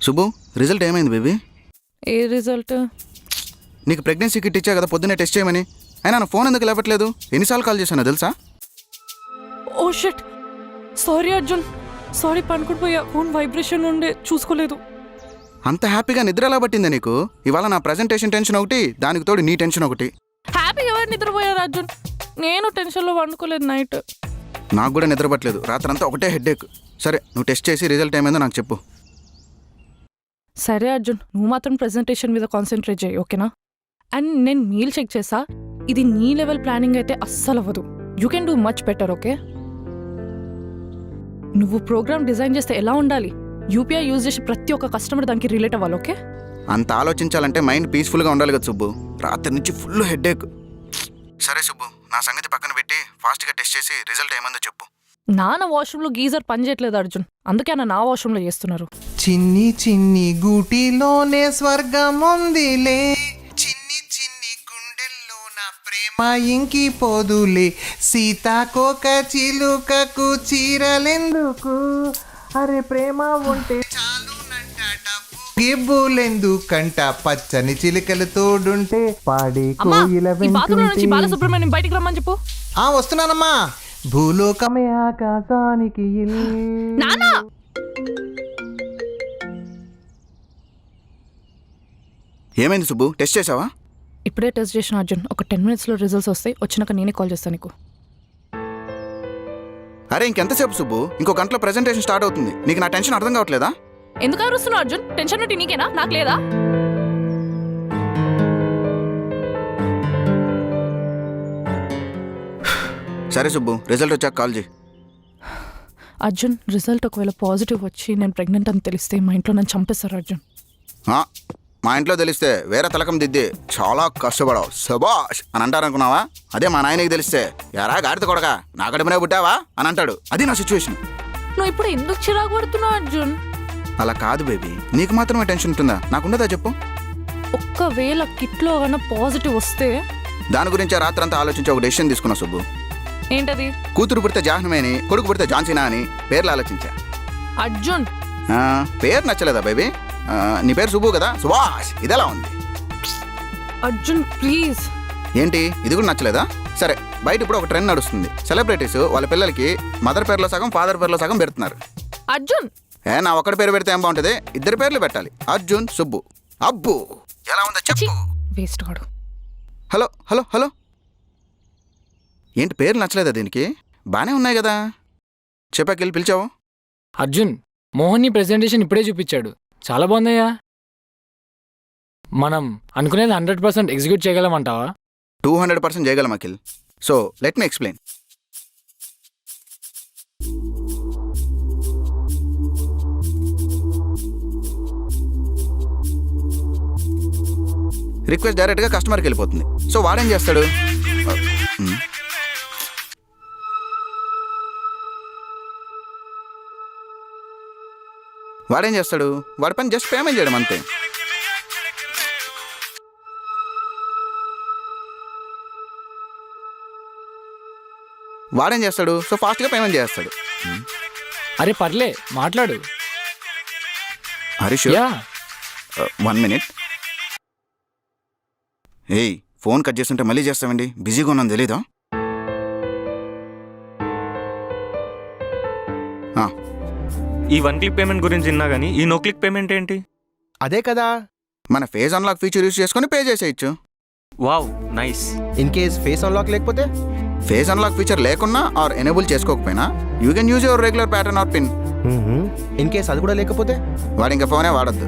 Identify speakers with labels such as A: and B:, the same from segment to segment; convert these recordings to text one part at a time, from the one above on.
A: శుభు, result ఏమైంది baby?
B: ఏ result?
A: నీకు ప్రెగ్నెన్సీ కిట్ ఇచ్చా కదా పొద్దున్నే టెస్ట్ చేయమని. అయినా నా ఫోన్ ఎందుకు లేవట్లేదు? ఎన్నిసార్లు కాల్ చేశానో తెలుసా?
B: Oh shit, sorry Arjun, sorry. పనుకుండిపోయా, ఫోన్ వైబ్రేషన్ ఉండే చూసుకోలేదు.
A: అంత హ్యాపీగా నిద్ర ఎలా పట్టిందా నీకు? ఇవాళ నా ప్రజెంటేషన్ టెన్షన్ ఒకటి, దానికి తోడు నీ టెన్షన్ ఒకటి.
B: హ్యాపీ ఎవరు నిద్రపోయారు అర్జున్? నేను టెన్షన్లో వండుకోలేదు నైట్.
A: నాకు కూడా నిద్ర పట్టలేదు, రాత్రంతా ఒకటే హెడ్ఏక్. సరే, నువ్వు టెస్ట్ చేసి రిజల్ట్ ఏమైందో నాకు చెప్పు.
B: సరే అర్జున్, నువ్వు మాత్రం ప్రెజెంటేషన్ మీద కాన్సన్ట్రేట్ చేయి, ఓకేనా? అండ్ నేను మీల్ చెక్ చేసా, ఇది నీ లెవెల్ ప్లానింగ్ అయితే అస్సలు అవ్వదు. You can do much better, okay? నువ్వు ప్రోగ్రామ్ డిజైన్ చేస్తే ఎలా ఉండాలి? యూపీఐ యూజ్ చేసి ప్రతి ఒక్క కస్టమర్ దానికి రిలేట్ అవ్వాలి, ఓకే?
A: అంత ఆలోచించాలంటే మైండ్ పీస్ఫుల్గా ఉండాలి కదా సుబ్బు. రాత్రి నుంచి ఫుల్ హెడ్ఏక్. సరే సుబ్బు, నా సంగతి పక్కన పెట్టి ఫాస్ట్గా టెస్ట్ చేసి రిజల్ట్ ఏమైందో చెప్పు.
B: నాన్న వాష్రూమ్లో గీజర్ పని చేయట్లేదు అర్జున్, అందుకే నా వాష్రూమ్లో చేస్తున్నారు.
C: చిన్ని చిన్ని గూటిలోనే స్వర్గం ఉందిలే, చిన్ని చిన్ని గుండెల్లో నా ప్రేమ ఇంకిపోదులే, సీతాకోక చిలుకకు చీరలెందుకు, అరే ప్రేమ ఉంటే చాలునంట డబ్బు గిబ్బులెందుకంట, పచ్చని చిలుకలు తోడుంటే పాడే కోయిల వెంటుంటే.
B: బాలసుబ్రహ్మణ్యం బయటికి రమ్మని చెప్పు.
C: వస్తున్నానమ్మా. భూలోకమే ఆకాశానికి
B: నానా
A: ఏమైంది సుబ్బు, టెస్ట్ చేసావా?
B: ఇప్పుడే టెస్ట్ చేసిన అర్జున్, ఒక 10 minutesలో రిజల్ట్స్ వస్తాయి. వచ్చినాక నేనే కాల్ చేస్తాను నీకు.
A: అరే ఇంకెంతసేపు సుబ్బు? ఇంకో గంటలో ప్రెజెంటేషన్ స్టార్ట్ అవుతుంది. నీకు నా టెన్షన్ అర్థం కావట్లేదా?
B: ఎందుకు అరుస్తున్నావు అర్జున్? టెన్షన్ ఉంటే నీకేనా, నాకు లేదా?
A: సరే సుబ్బు, రిజల్ట్ వచ్చాక కాల్ చేయి.
B: అర్జున్, రిజల్ట్ ఒకవేళ పాజిటివ్ వచ్చి నేను ప్రెగ్నెంట్ అని తెలిస్తే మా ఇంట్లో నన్ను చంపేస్తారు అర్జున్.
A: మా ఇంట్లో తెలిస్తే వేరే తలకం దిద్ది చాలా కష్టపడవు శబాష్ అని అంటారనుకున్నావా? అదే మా నాయనకి తెలిస్తే ఎరా గాడిద కొడగా నా కడుపునే పుట్టావా అని అంటాడు. అది నా సిచ్యువేషన్.
B: నువ్వు ఇప్పుడు ఎందుకు చిరాకు పడుతున్నావు అర్జున్?
A: అలా కాదు బేబీ, నీకు మాత్రమే టెన్షన్ ఉంటుందా? నాకుండదా చెప్పు.
B: ఒక్కవేళ కిట్లో కన్నా పాజిటివ్ వస్తే
A: దాని గురించి రాత్రంతా ఆలోచించి ఒక డెసిషన్ తీసుకున్నా సుబ్బు.
B: ఏంటది?
A: కూతురు పుడితే జాహ్నవి అని, కొడుకు పుడితే జాన్సీనా అని పేర్లు ఆలోచించా.
B: అర్జున్,
A: పేరు నచ్చలేదా బేబీ? నీ పేరు సుబ్బు కదా, సుభాష్. ఇదెలా ఉంది
B: అర్జున్ ప్లీజ్.
A: ఏంటి, ఇది కూడా నచ్చలేదా? సరే, బయట ఇప్పుడు ఒక ట్రెండ్ నడుస్తుంది. సెలబ్రిటీస్ వాళ్ళ పిల్లలకి మదర్ పేరులో సగం ఫాదర్ పేరులో సగం పెడుతున్నారు.
B: అర్జున్,
A: నా ఒక్కడి పేరు పెడితే ఏం బాగుంటుంది? ఇద్దరు పేర్లు పెట్టాలి, అర్జున్ సుబ్బు. అబ్బు, ఎలా ఉందో చెప్పు.
B: వేస్ట్ వాడు.
A: హలో హలో హలో, ఏంటి పేర్లు నచ్చలేదా దీనికి? బానే ఉన్నాయి కదా, చెప్పాకెళ్ళి పిలిచావు.
D: అర్జున్, మోహన్ నీ ప్రెజెంటేషన్ ఇప్పుడే చూపించాడు, చాలా బాగుందయ్యా. మనం అనుకునేది 100% ఎగ్జిక్యూట్ చేయగలమంటావా?
A: 200% చేయగలం Akhil. So let me explain. Request డైరెక్ట్గా కస్టమర్కి వెళ్ళిపోతుంది. సో వాడేం చేస్తాడు? వాడి పని జస్ట్ పేమెంట్ చేయడం అంతే. వాడేం చేస్తాడు? సో ఫాస్ట్గా పేమెంట్ చేస్తాడు.
D: అరే పర్లే, మాట్లాడు.
A: హరీష్, 1 minute. ఏయ్, ఫోన్ కట్ చేస్తుంటే మళ్ళీ చేస్తామండి, బిజీగా ఉన్నాను తెలీదా?
E: ఈ 1 click పేమెంట్ గురించి విన్నా కానీ ఈ నో క్లిక్ పేమెంట్ ఏంటి?
C: అదే కదా,
A: మన ఫేస్ అన్లాక్ ఫీచర్ యూజ్ చేసుకొని పే చేసేయచ్చు.
E: Wow, nice.
C: In case face unlock లేకపోతే?
A: ఫేస్ అన్లాక్ ఫీచర్ లేకున్నా ఆర్ ఎనేబుల్ చేసుకోకపోయినా you can use your regular pattern or pin.
C: In case అది కూడా లేకపోతే?
A: వాడు ఇంకా ఫోనే వాడద్దు.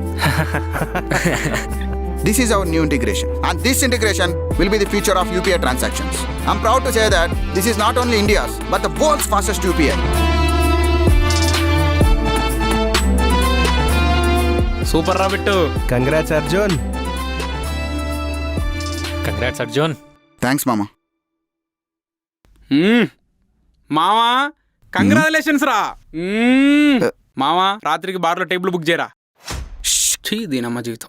A: This is our new integration, and this integration will be the future of UPI transactions. I'm proud to say that this is not only India's but the world's fastest UPI.
D: Super రా Bittu.
C: Congrats Arjun.
D: Congrats Arjun.
A: Thanks మామా.
F: మామా congratulations రా. మామా రాత్రికి బార్లో table book చేయరా. దీనమ్మ జీవితం.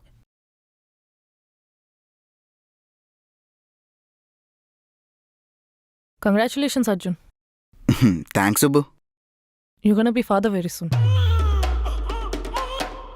B: Congratulations Arjun.
A: Thanks Subbu.
B: You gonna be father very soon.